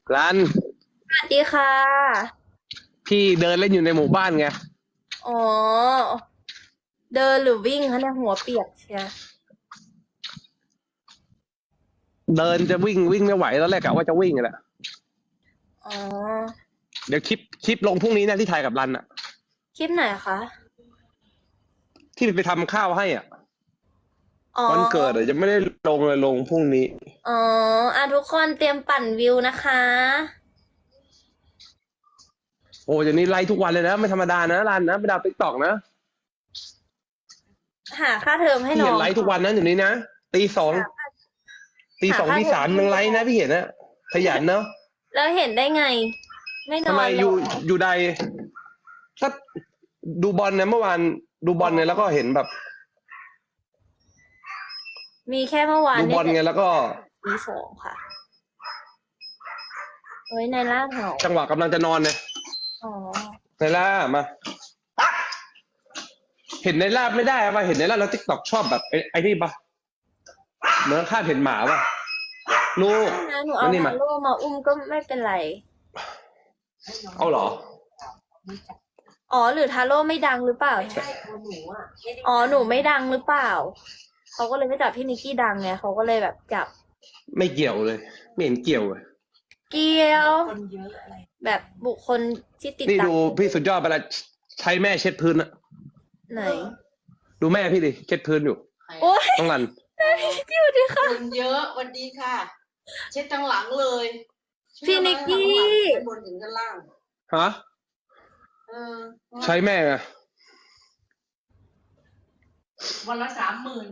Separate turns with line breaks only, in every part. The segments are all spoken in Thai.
ร้าน
สวัสดีค่ะ
พี่เดินเล่นอยู่ในหมู่บ้านไง
อ๋อเดินหรือวิ่งคะเนี่ยหัวเปียกเชีย
เดินจะวิ่งไม่ไหวตอนแรกกะว่าจะวิ่งแหละ
อ๋อ
เดี๋ยวคลิปลงพรุ่งนี้นะที่ถ่ายกับรันอะ
คลิปไหนคะ
ที่ไปทำข้าวให้อ่ะ
อ๋อ
วันเกิดอะยังไม่ได้ลงเลยลงพรุ่งนี้
อ๋อทุกคนเตรียมปั่นวิวนะคะ
โอ้เดี๋ยวนี้ไลฟ์ทุกวันเลยนะไม่ธรรมดานะรันนะไม่ดาวติ๊กตอกนะ
หาค่าเทอมให้
พี่
น้อง
เห็นไลฟ์ทุกวันนะเดี๋ยวนี้นะตีสอง
หา
ตีสอง
หาค่าเทอ
ตีสาม
มให้น้อง
ยังไลฟ์นะพี่เห็นนะขยันเนาะ
แล้วเห็นได้ไง ไม่น
ทำไม
อนหรอ
อยู่ใดถ้าดูบอลนะเมื่อวานดูบ
อ๋อ
อลเนี่ยแล้วก็เห็นแบบ
มีแค่เมื่อวาน
ดูบ
เนี่ยแต่
อลไงแล้วก็
ตี 2ค่ะเฮ้ยในล่าเหงา
จังหวะกำลังจะนอนเนี่ย
อ๋อ
ไนล่ามา เห็นในลาบไม่ได้ป่ะเห็นในลาบแล้วติ๊กต็อกชอบแบบไอ้นี่ป่ะเหมือนข้าเห็นหมาป่ะลูก
ไม่นะหนูเอา
นั่นนี่มา
ทาโร่มาอุ้มก็ไม่เป็นไร
เอาเหรอ
อ๋อหรือทาโร่ไม่ดังหรือเปล่าอ๋อหนูไม่ดังหรือเปล่าเขาก็เลยไม่จับพี่นิกกี้ดังไงเขาก็เลยแบบจับ
ไม่เกี่ยวเลยไม่เห็นเกี่ยวเลย
เกี่ยวแบบบุคคลที่ติด
นี่
ตาม
ดูพี่สุดยอดไปละใช้แม่เช็ดพื้นอะ
ไหน
ดูแม่พี่ดิเช็ดพื้นอยู่
โอ้ย
ต้องรัน
แม่พี่นิกกี้สวัสดีค่ะ
คนเยอะวันดีค่ะ เช็ดทั้งหลังเลย
พี่นิกกี้
ทั้งบนถึงด้านล่าง
ฮะ
เออ
ใช้แม่ไง
วันละ30,000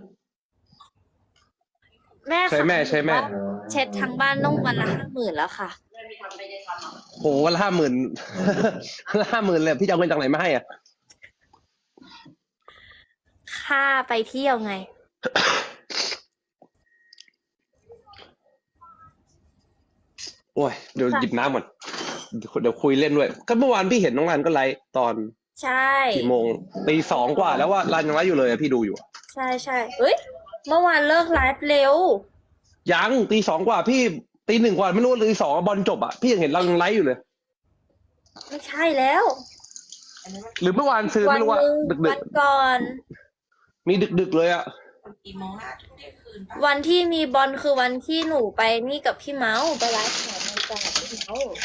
แม่
ใช้แม่ใช้แม่
เช็ดทั้งบ้านต้องวันละ50,000แล้วค่ะ
ไม่ได้ทำไม่ได้ทำอ่ะ
โหวันละ50,00050,000เลยพี่จะเอาเงินจากไหนมาให้อ่ะ
ค่าไปเที่ยวไง
โอ้ยเดี๋ยวหยิบน้ำก่อนเดี๋ยวคุยเล่นด้วยก็เมื่อวานพี่เห็นน้องรันก็ไลฟ์ตอน
ใช่
กี่โมงตีสองกว่าแล้วว่ารันยังไลฟ์อยู่เลยอะพี่ดูอยู่อะ
ใช่ใช่เอ้ยเมื่อวานเลิกไลฟ์เร็ว
ยังตีสองกว่าพี่ตีหนึ่งกว่าไม่รู้ตีสองบอลจบอ่ะพี่ยังเห็นเรายังไลฟ์อยู่เลย
ไม่ใช่แล้ว
หรือเมื่อวานซื้อ
วั
ไม่รู้ว่า
หนึ่ง
ดึก
วันก่อน
ๆมีดึกๆเลยอ่ะ
กี่โมงนะเที่ยงคืนปะ
วันที่มีบอลคือวันที่หนูไปนี่กับพี่เมาส์ไปไลฟ์ของในจังหวัดพี่เมาส์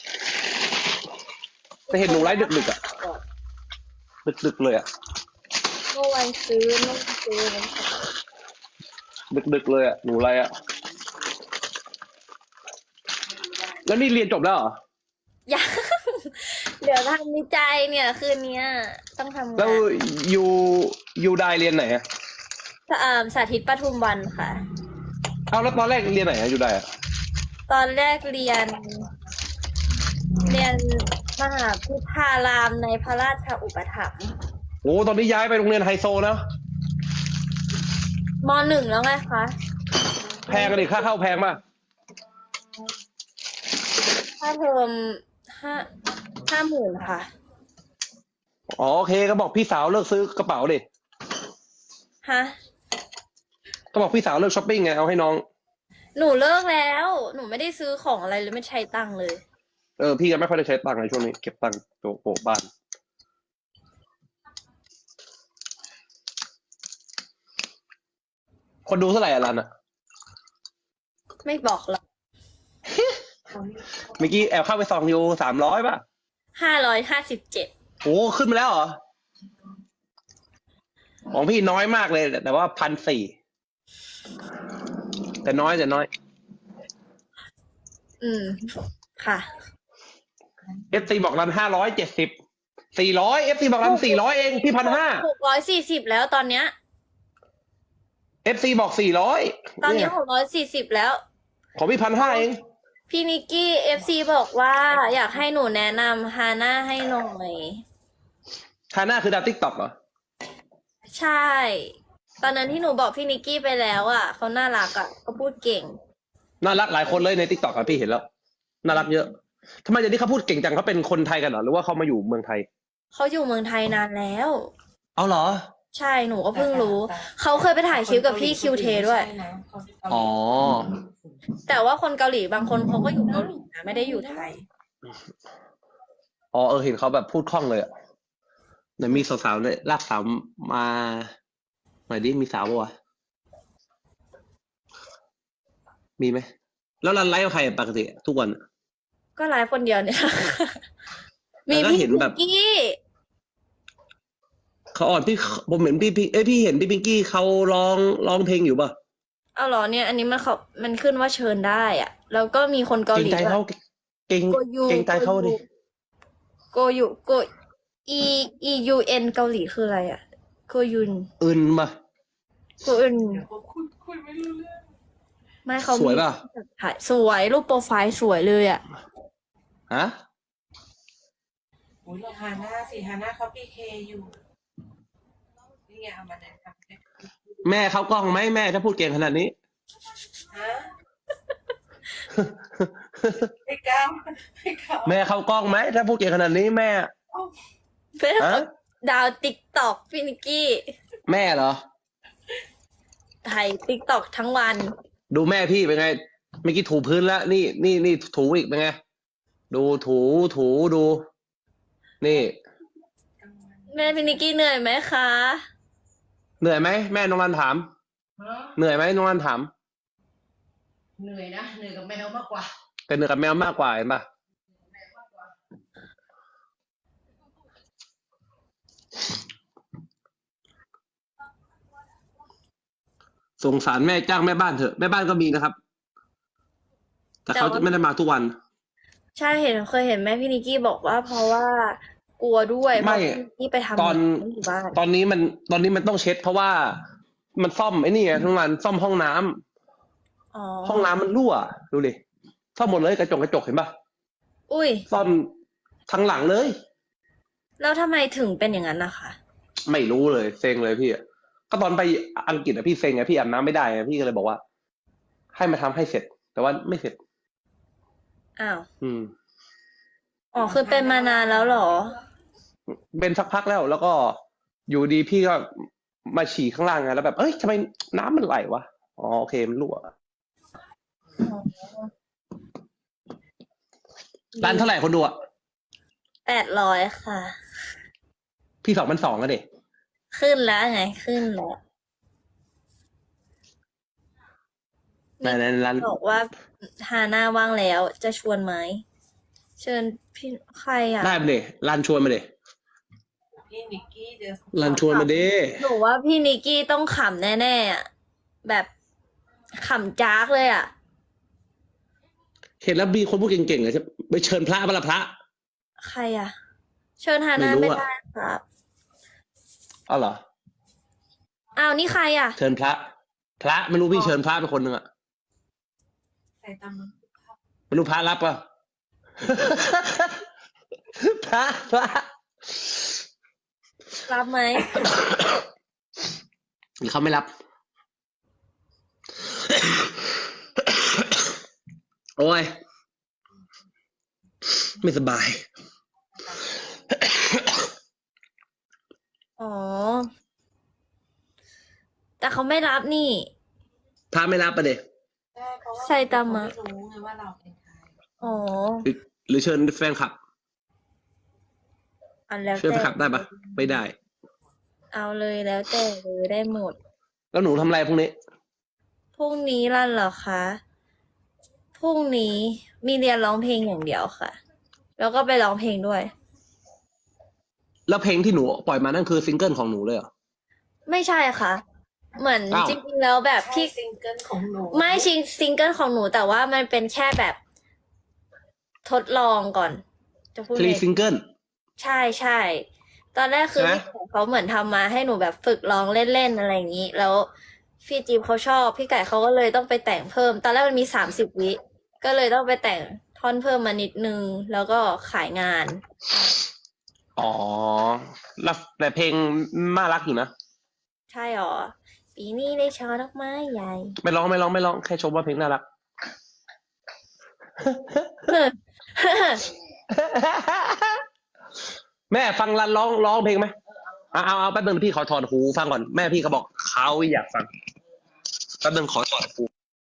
แต่เห็นหนูไลฟ์ดึกๆอ่ะดึกๆเลยอ่ะ
เมื่อวันซื้อเมื่อวันซื้อวันเสาร์
ดึกๆเลยอ่ะหนูไลฟ์อ่ะแล้วนี่เรียนจบแล้วเหรอ
ยัง เดี๋ยวทำวิจัยเนี่ยคืนเนี้ยต้องทำ
แล้ว
งาน
ยูไดเรียนไหนอ่ะ
สาธิตปทุมวันค่ะ
เอาแล้วตอนแรกเรียนไหนอ่ะยูไดอ่ะ
ตอนแรกเรียนมหาพุทธารามในพระราชอุปถัมภ์
โอ้ตอนนี้ย้ายไปโรงเรียนไฮโซนะ
ม.1แล้วไงคะ
แพงกันดิค่าเข้าแพงป่ะ
ค่าเทอม50,000ค่ะ
อ๋อโอเคก็บอกพี่สาวเลิกซื้อกระเป๋าดิ
ฮะ
ก็บอกพี่สาวเลิกช้อปปิ้งไงเอาให้น้อง
หนูเลิกแล้ว หนูไม่ได้ซื้อของอะไรเลยไม่ใช้ตังค์เลย
พี่ก็ไม่ค่อยได้ใช้ตังค์ในช่วงนี้เก็บตังค์โปะบ้านคนดูเท่าไหร่อะรันอะ
ไม่บอกหรอก
เมื่อกี้แอบเข้าไปส่องอยู่300ป่ะ
557
โอ้ขึ้นมาแล้วเหรอของพี่น้อยมากเลยแต่ว่า1,400แต่น้อย
ค่ะ
FC บอกรัน570 400 FC บอกรัน400เองพี่1,500
640แล้วตอนเนี้ย
FC บอก400
ตอนนี้
เนี่ย
640แล้ว
ของพี่1,500เอง
พี่นิกกี้ FC บอกว่าอยากให้หนูแนะนำฮาน่าให้หน่อย
ฮาน่าคือดาวติ๊กต็อกเหรอ
ใช่ ตอนนั้นที่หนูบอกพี่นิกกี้ไปแล้วอ่ะเขาน่ารักอ่ะเขาพูดเก่ง
น่ารักหลายคนเลยในติ๊กต็อกอะพี่เห็นแล้วน่ารักเยอะทำไมเดี๋ยวนี้เขาพูดเก่งจังเขาเป็นคนไทยกันเหรอหรือว่าเขามาอยู่เมืองไทย
เขาอยู่เมืองไทยนานแล้ว
เอาเหรอ
ใช่หนูก็เพิ่งรู้ เขาเคยไปถ่ายคลิปกับพี่คิวเทด้วย
อ๋อ
แต่ว่าคนเกาหลีบางคนเขาก็อยู่เกาหลีนะไม่ได้อยู่ไทย
อ๋อเห็นเขาแบบพูดคล่องเลยอะไหนมีสาวๆเลยลากสาวมาหน่อยดิมีสาวปะวะมีไหมแล้วรันไลฟ์กับใครอะปกติทุกวันอะ
ก็ไลฟ์คนเดียวเนี่ย มี
แล้วก็
พี่
เห็นแบบ
พิงกี้
เขาอ่อนพี่ผมเห็นพี่เห็นพี่พิงกี้เขาร้องเพลงอยู่ป่ะ
เอาเหรอเนี่ย อันนี้มันขึ้นว่าเชิญได้อะแล้วก็มีคนเกา
เกร
ห
ง
ลี
ใจ
ด้วย
เขาเกรง
โกยู
เกรงใจเขาดิ
โกยูโกอียูเอ็นเกาหลีคืออะไรอะโกยุน
อื่นมา
โกยุน
เดี๋ยวผมคุยไม่รู้เรื่อง
ไม่เขา
สวยป่ะ
ถ่ายสวยรูปโปรไฟล์สวยเลยอะ
ฮะ
อุ้ยเราฮาน่าสิฮาน่าเขาพีเคอยู่นี่ไงเอามาแนะนำให้
แม่เขากล้องไหมแม่ถ้าพูดเก่งขนาดนี้
ฮะไม่กล้าไม่กล้า
แม่เขากล้องไหมถ้าพูดเก่งขนาดนี้แม่
เพื่อน
ฮะ
ดาวติ๊กตอกพี่นิกกี้
แม่เหรอ
ถ่ายติ๊กตอกทั้งวัน
ดูแม่พี่เป็นไงเมื่อกี้ถูพื้นแล้วนี่ถูอีกเป็นไง ดูถูดู นี่
แม่พี่นิกกี้เหนื่อยไหมคะ
เหนื่อยไหมแม่น้องรันถาม
ฮะ
เหนื่อยไหมน้องรันถาม
เหนื่อยนะเหนื่อยกับแมวมากกว่า
แต่เหนื่อยกับแมวมากกว่าเห็นปะสงสารแม่จ้างแม่บ้านเถอะแม่บ้านก็มีนะครับ แต่เขาจะไม่ได้มาทุกวัน
ใช่เคยเห็นแม่พี่นิกกี้บอกว่า เพราะว่ากลัวด้วย
ไม่
เพราะพี่นิกกี้ไปทำ
ตอน
งานไม่อยู่บ้าน
ตอนนี้มันต้องเช็ด เพราะว่ามันซ่อมไอ้นี่ไงทุกวันซ่อมห้องน้ำ
อ๋อ
ห้องน้ำมันรั่วดูดิซ่อมหมดเลยกระจกเห็นปะ
อุ้ย
ซ่อมทั้งหลังเลย
แล้วทำไมถึงเป็นอย่างนั้นนะคะ
ไม่รู้เลยเซ็งเลยพี่อะก็ตอนไปอังกฤษอะพี่เซ็งไงพี่อาบน้ำไม่ได้ไงพี่ก็เลยบอกว่า ให้มาทำให้เสร็จ แต่ว่าไม่เสร็จ
อ้าว
อืม
อ๋อคือเป็นมานานแล้วเหรอ
เป็นสักพักแล้วก็อยู่ดีพี่ก็มาฉี่ข้างล่างไงแล้วแบบเอ้ยทำไมน้ำมันไหลวะอ๋อโอเคมันรั่วร้านเท่าไหร่คนดูอะ
800ค่ะ
พี่2,200อะเด็
ขึ้นแล้วไงขึ้นแล้ว
ในร้าน
บอกว่าฮาน่าว่างแล้วจะชวนไหมเชิญพี่ใครอ่ะ
ได้มาเด็ร้านชวนมาเด็
พี่นิกกี้เดี๋ยว
ร้านชวนมาเด้
หนูว่าพี่นิกกี้ต้องขำแน่ๆอ่ะแบบขำจากเลยอ่ะ
เห็นแล้วมีคนพูดเก่งๆเลยไปเชิญพระมาละพระ
ใครอ่ะ เชิญฮาน่า
ไม่รู้
ไม่
อะ
ได้ครับ
อ๋อเหรอ
อ้าวนี่ใครอ่ะ
เชิญพระไม่รู้พี่เชิญพระไปคนหนึ่งอะ
ใส่ตามมัน
ไม่รู้พระรับป่ะ พระ
รับไหม
หรือเขาไม่รับ โอ้ย ไม่สบาย
อ๋อ แต่เขาไม่รับนี่
พระไม่รับประเดี๋ย
ใช่เพราะว่า
ไซตามะ
เขาไม่รู้ไงว่าเราเป็นใคร
อ๋อ
หรือเชิญแฟนคลับ
อันแล้ว
เชิญแฟนคลับได้ปะไม่ได้
เอาเลยแล้วแต่เลยได้หมด
แล้วหนูทำอะไรพวกนี้
พรุ่งนี้ลั่นเหรอคะ พรุ่งนี้มีเรียนร้องเพลงอย่างเดียวค่ะ แล้วก็ไปร้องเพลงด้วย
แล้วเพลงที่หนูปล่อยมานั่นคือซิงเกิลของหนูเลยเหรอ
ไม่ใช่ค่ะ เหมือน
อ้าว
จริงๆแล้วแบบ
พี่
พี่
ซิงเกิลของหนู
ไม่ซิงเกิลของหนูแต่ว่ามันเป็นแค่แบบทดลองก่อน จะพูด
ฟรี
ไง
ซิงเกิล
ใช่ตอนแรกคือ
ใช่ไหม
พี่ไก่เขาเหมือนทำมาให้หนูแบบฝึกร้องเล่นๆอะไรอย่างนี้ แล้วพี่จิ๊บเขาชอบ พี่ไก่เขาก็เลยต้องไปแต่งเพิ่ม ตอนแรกมันมี30 วิ ก็เลยต้องไปแต่งท่อนเพิ่มมานิดนึง แล้วก็ขายงาน
อ๋อแล้วแต่เพลงน่ารักอยู่นะ
ใช่หรอ ปีนี้ได้ช่อดอกไม้ใหญ่
ไม่ร้องแค่ชมว่าเพลงน่ารัก แม่ฟังรันร้องเพลงไหมเอาแป๊บนึงพี่ขอถอดหูฟังก่อนแม่พี่เขาบอกเขาอยากฟังแป๊บนึงขอถอดหู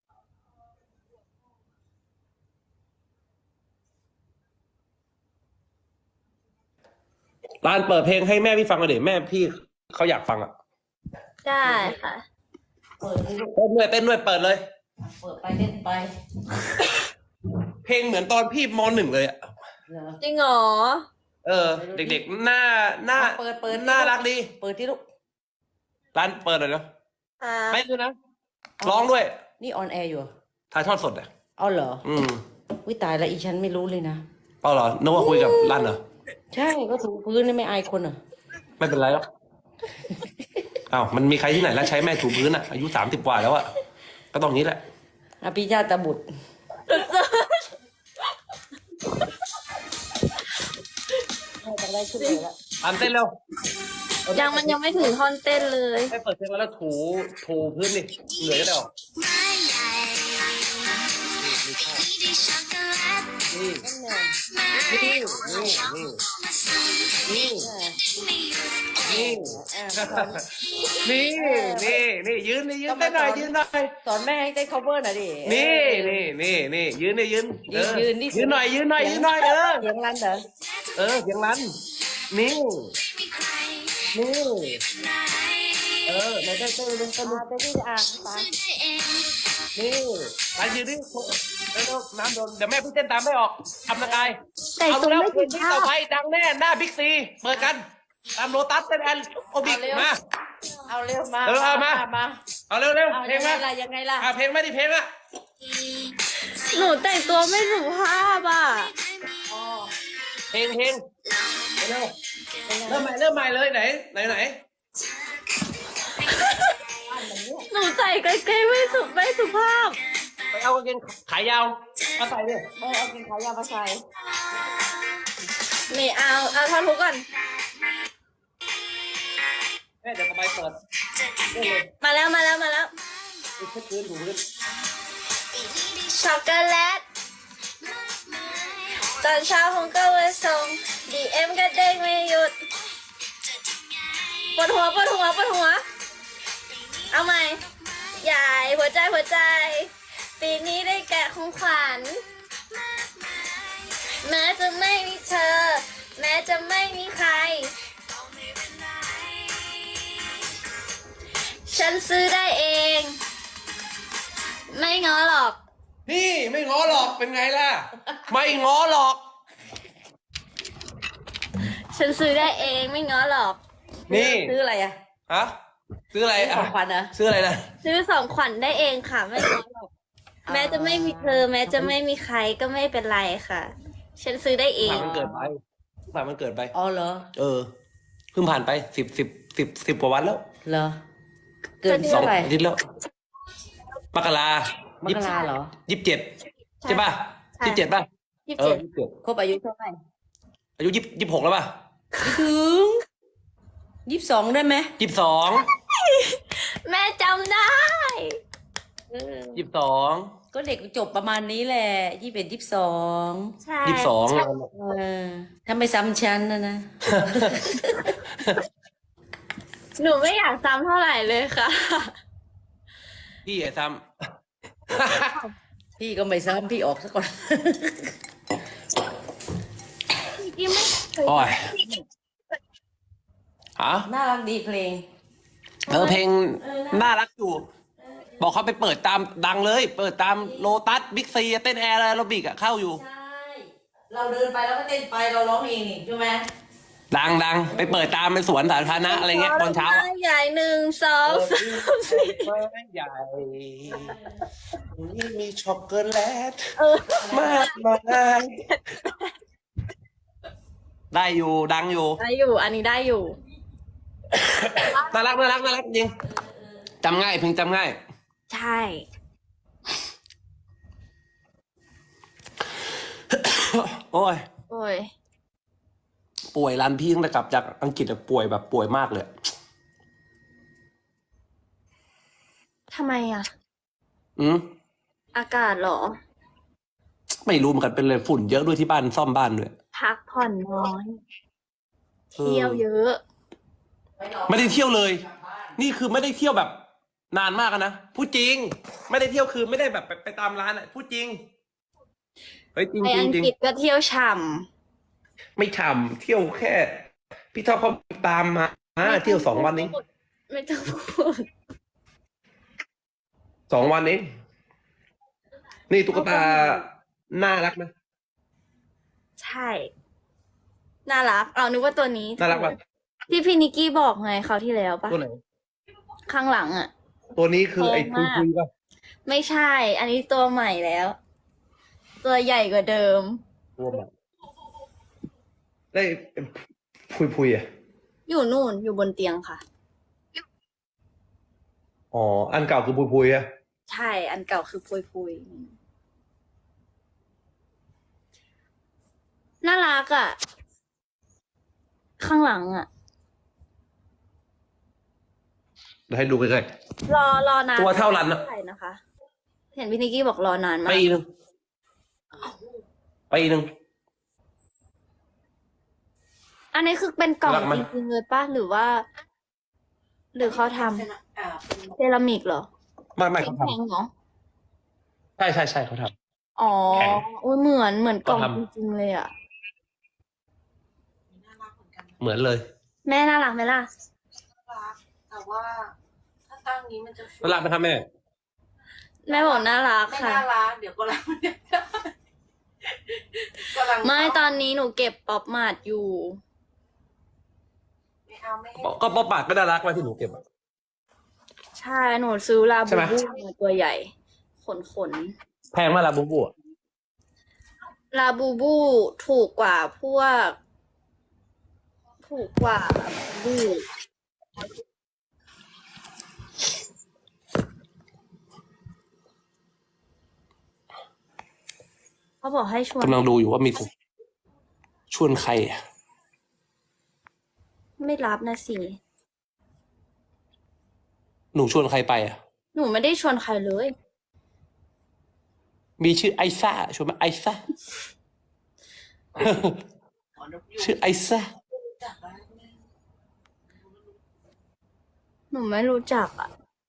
ร้านเปิดเพลงให้แม่พี่ฟังหน่อยดิแม่พี่เขาอยากฟังอ่ะ
ได้ค่ะ
เปิดให้ลูก
เต้นด้วยเปิดเลย
เปิดไปเล่นไป
เพลงเหมือนตอนพี่มหนึ่งเลยอ่ะ
เหรอ
จริงเหรอ
เด็กๆหน้า
เปิด
น่ารักดี
เปิดที่ลูก
ร้านเปิดหน่อยเนาะ
ค่ะ
ไม่ด้วยนะร้องด้วย
นี่ออนแอร์อยู่เหรอ
ถ่ายทอดสดอ่ะ
เอาเหรอ
อืม
วิตายแล้วอีฉันไม่รู้เลยนะ
เอาเหรอนึกว่าคุยกับร้านเหรอ
ใช่ก็ถูพื้นนี่ไม่อายคนเหรอ
ไม่เป็นไรหรอกอ้าวมันมีใครที่ไหนแล้วใช้แม่ถูพื้นอ่ะอายุ30 กว่าแล้วอ่ะก็ต้องนี้แหละ
อภิชาตบุตร จะได้ขึ้นเลยละ
อันเต้นเร็ว
มันยังไม่ถึงท่อนเต้นเลย
ให้เปิดเพลงแล้วถูพื้นนี่เหนื่อยก็ได้หรอนี่นี่นี่นี่ยืนได้หน่อยยืนหน่อย
สอนแม่ให้ได้ cover หน่อยดิ
นี่ยืนยืน ยืนหน่อยเสียงรันเหรอ เสียงรันนี่ไหนเต้น
เดี๋ยวพี่จะอ่านฟัง
นี่ไปยืนดิเร็วน้ำโดนเดี๋ยวแม่พี่เต้นตามไม่ออกทำละกาย
แต่
เอา
ตรง
แล้ว
ไม่
เพล
ถึ
ง
ง
ที่
ท่า
ต่อไปดังแน่หน้าบิ๊กซีเปิดกันตามโลตัสเต้นแอนโอบิกมา
เอาเร็วมา
เอามา เอาเร็ว
เอา
เพล
ยัง งไง
มา
ล่ะยังไงล่ะ
เพลงไม่ได้เพลงอะ
หนูแต่งตัวไม่สุภาพอ่ะ
เพลงเร็วเริ่มใหม่เลยไหน
หนูใส่กางเกงไม่สุภาพ
ไปเอากางเกงขายาวมาใส่ดิ
เอากินขายามาใส่
นี่เอาท่อนทุกก่อน
แม่เดี๋ยวต่อไปเปิดเล่นเลย
มาแล้ว
ดูพื้นถูพื้น
ช็อกโกแลต ตอนเช้าผมก็ไปส่ง DM ก็เด้งไม่หยุด ปวดหัว เอาใหม่ ใหญ่หัวใจ ปีนี้ได้แกะของขวัญ แม้จะไม่มีเธอ แม้จะไม่มีใคร ฉันซื้อได้เอง ไม่ง้อหรอก
นี่ไม่ง้อหรอกเป็นไงล่ะ ไม่ง้อหรอก
ฉันซื้อได้เองไม่ง้อหรอก
นี่
ซื้ออะไรอ่ะ
ฮะซื้ออะไร
ซื้อของขวัญเหรอ
ซื้ออะไรนะ
ซื้อของขวัญได้เองค่ะ ไม่ง้อหรอก แม้จะไม่มีเธอ แม้จะไม่มีใครก็ไม่เป็นไรค่ะ ฉันซื้อได้เอง
ผ่านมันเกิดไป
อ๋อเหรอ
เพิ่งผ่านไป10 กว่าวันแล้ว
เหรอ เกิน
สอ
เท่าง ไหร่
อาทิตย์แล้วมกราม
กราเหรอ
27ใช่ป่ะ
ใช่
27ป่ะ
27
ครบอายุเท่าไหร่
อายุ26แล้วป่ะ
ไม่ถึง22ได้ไหม
22
แม่จำได้
22
ก็เด็กจบประมาณนี้แหละ21 22
ใช่
ถ้าไม่ซ้ำชั้นนะ
หนูไม่อยากซ้ำเท่าไหร่เลยค่ะ
พี่ไอ้ซ้
พี่ก็ไม่ซ้ำพี่ออกซะก่อน
พี่ไม่เคย
ำโอ้ยฮะ
น่ารักดีเพลง
เพลงน่ารักอยู่ บอกเขาไปเปิดตามดังเลย เปิดตามโลตัสบิ๊กซีเต้นแอร์แอโรบิกอะเข้าอยู่
ใช่ เราเดินไปแล้วก็เต้นไปเราร้องเองนี่ใช่ไหม
ดังไปเปิดตามเป็นสวนสาธารณะอะไรเงี้ยตอนเช้าอะ
ใหญ่1 2 3 4
ใหญ่นี่มีช็อกโกแลต
มาม
ากมายได้อยู่ดังอยู่
ได้อยู่ อันนี้ได้อยู่
น่ารักจริงจำง่ายเพลงจำง่าย
ใช่
โอ้ย
โอ้ย
ป่วยรันพี่ตั้งแต่กลับจากอังกฤษอะป่วยแบบป่วยมากเลย
ทำไมอ่ะ
อืม
อากาศเหรอ
ไม่รู้เหมือนกันเป็นเลยฝุ่นเยอะด้วยที่บ้านซ่อมบ้านด้วย
พักผ่อนน้อย เที่ยวเยอะ
ไม่ได้เที่ยวเลย นี่คือไม่ได้เที่ยวแบบนานมากอะนะพูดจริง ไม่ได้เที่ยวคือไม่ได้แบบไปตามร้านอะพูดจริงเฮ้ยจริง
ไป
จริ
อั
ง
ง
จริง
กฤษก็เที่ยวฉ่
ไม่ฉ่ำเที่ยวแค่ พี่ท็อปเขาตามมา
ำ
เที่ยว2 วันนี้
ไม่ต้องพูด
2 วันนี้นี่ตุ๊กตาน่ารักไหม
ใช่ น่ารักเอานึกว่าตัวนี้
น่ารักป่ะ
ที่พี่นิกกี้บอกไงคราวที่แล้วปะ
ตัวไหน
ข้างหลังอ่ะ
ตัวนี้คือไอ้
แพง
คุ
มาก
ยป่ะ
ไม่ใช่ อันนี้ตัวใหม่แล้ว ตัวใหญ่กว่าเดิม
ตัวใหม่ได้พุยอ่ะ
อยู่นู่นอยู่บนเตียงค่ะ
อ๋ออันเก่าคือพุยอ่ะ
ใช่ อันเก่าคือพุยน่ารักอ่ะ ข้างหลังอ่ะ
เดี๋ยวให้ดูใกล้
รอนาน
ตัวเท่ารันอะ
ใช่นะคะ เห็นพี่นิกกี้บอกรอนาน
ๆ
มาก
ปีหนึ่ง
อันนี้คือเป็นกล่อง
รักไหม
จริงๆเลยป่ะหรือว่า หรือเขาทำ
เป็น
เซรามิกเหรอ
ไม่เขา
แข็ง
ทำ
ๆเหรอ
ใช่เขาท
อ๋อ
แข็ง
โอ้ยเหมือนกล่อง
เขาทำ
จริงๆเลยอ่ะ
น่ารักเหมือนกัน
ำเหมือนเลย
แม่น่ารักไหมล่ะ
น่ารักแต่ว่าถ้าตั้งนี้มันจะ
น่ารักไหมครับแม่
แม่บอกน่ารัก
ไม่
ค่ะ
น่ารักเดี๋ยวก็รักกำลัง
ไม่ตอนนี้หนูเก็บป๊อปมาดอยู่
ไม่เอาไม่ให้
ก็ป๊อปปากก็น่ารักไว้ที่หนูเก็บอะ
ใช่หนูซื้อลา
ใช่
บู
ไหม
บูมาตัวใหญ่ ขน
แพงมากละบุ๊บบุ๊
ลาบูบูถูกกว่าพวก ถูกกว่าบู เขาบอกให้ชวน
กำลังดูอยู่ว่ามีชวนใครอะ
ไม่รับนะสิ
หนูชวนใครไปอ่ะ
หนูไม่ได้ชวนใครเลย
มีชื่อไอซ่าชวนไหมไอซ่า
ขอนกยูง
ชื่อไอซ่า
จากบ้านแม่
หนูไม่รู้จักอ่ะ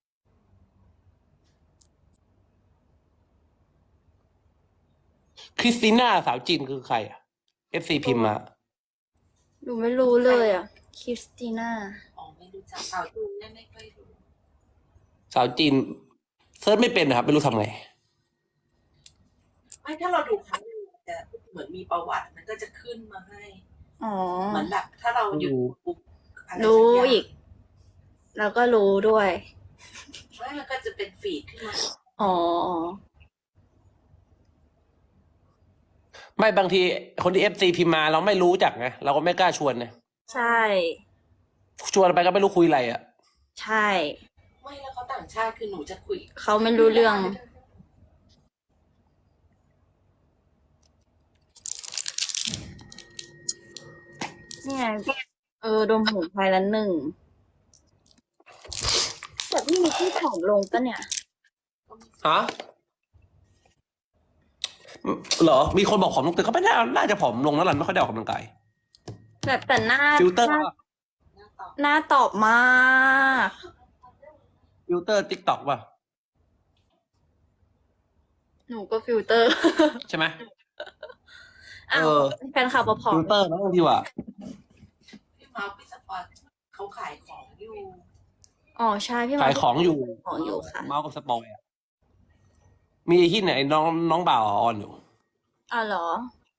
คริสติน่าสาวจีนคือใครอ่ะ FC พิมพ์มา
หนูไม่รู้เลยอ่ะ คริสติน่า
อ๋อไม่รู้จักสาวจูนไม่ค่อยรู้
สาวจีนเซิร์ชไม่เป็นนะครับ ไม่รู้ทำไง
ไม่ถ้าเราดูครั้งนึงจะเหมือนมีประวัติมันก็จะขึ้นมาให้
อ๋อ
เหมือนแบบถ้าเราหยุดปุ๊บอะไรสั
รู้
ย่าง
อีก แล้วก็รู้ด้วย
ไม่มันก็จะเป็นฟีดขึ้นมา
อ๋อ
ไม่บางทีคนที่ FC พิมพ์มาเราไม่รู้จักไงเราก็ไม่กล้าชวนไง
ใช่
ชวนไปก็ไม่รู้คุยอะไรอ่ะ
ใช่
ไม่แล้วเขาต่างชาติคือหนูจะคุย
เขาไม่รู้เรื่อง นี่ไงดมหูไพละ1แต่พี่นิกกี้ผอมลงปะเนี่ย
ฮะเหรอ มีคนบอกผอมลงแต่ก็ไม่น่าจะผอมลงแล้วล่ะไม่ค่อยได้ออกกำลังกาย
แบบแต่หน้า
ฟิลเตอร์
หน้าตอบมาก
ฟิลเตอร์ติ๊กต็อกป่ะ
หนูก็ฟิลเตอร์
ใช่ไหม
อ้าว
เออ
แฟนคลับผอม
ฟิลเตอร์นะบางทีว่ะ
พี่เมาส์พี่สปอร์ตเขาขายของอยู่
อ๋อใช่พี่
ขายของอยู่
ของอยู่ค่ะ
เมาส์กับสปอยอะมีที่ไหนน้องบ่าวออนอยู่
อ๋อเหรอ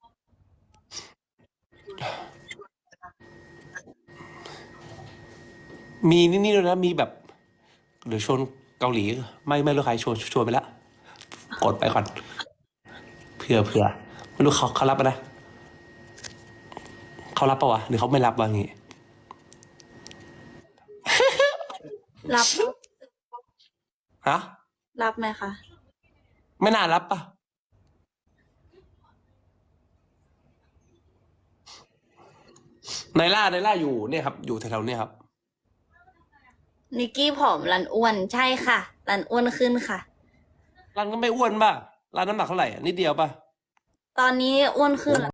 มีนี่ด้วยนะมีแบบเดี๋ยวชวนเกาหลี ไม่รู้ใครชวนไปแล้วกดไปก่อนเผื่อไม่รู้เขารับปะนะเขารับปะวะหรือเขาไม่รับวะงี้
รับ
ฮะ
รับไหมคะ
ไม่น่ารับปะไนล่าอยู่เนี่ยครับ อยู่แถวๆเนี่ยครับ
นิกกี้ผอมรันอ้วนใช่ค่ะ รันอ้วนขึ้นค่ะ
ร้านก็ไม่อ้วนป่ะร้านน้ำหนักเท่าไหร่อะนิดเดียวป่ะ
ตอนนี้อ้วนขึ้น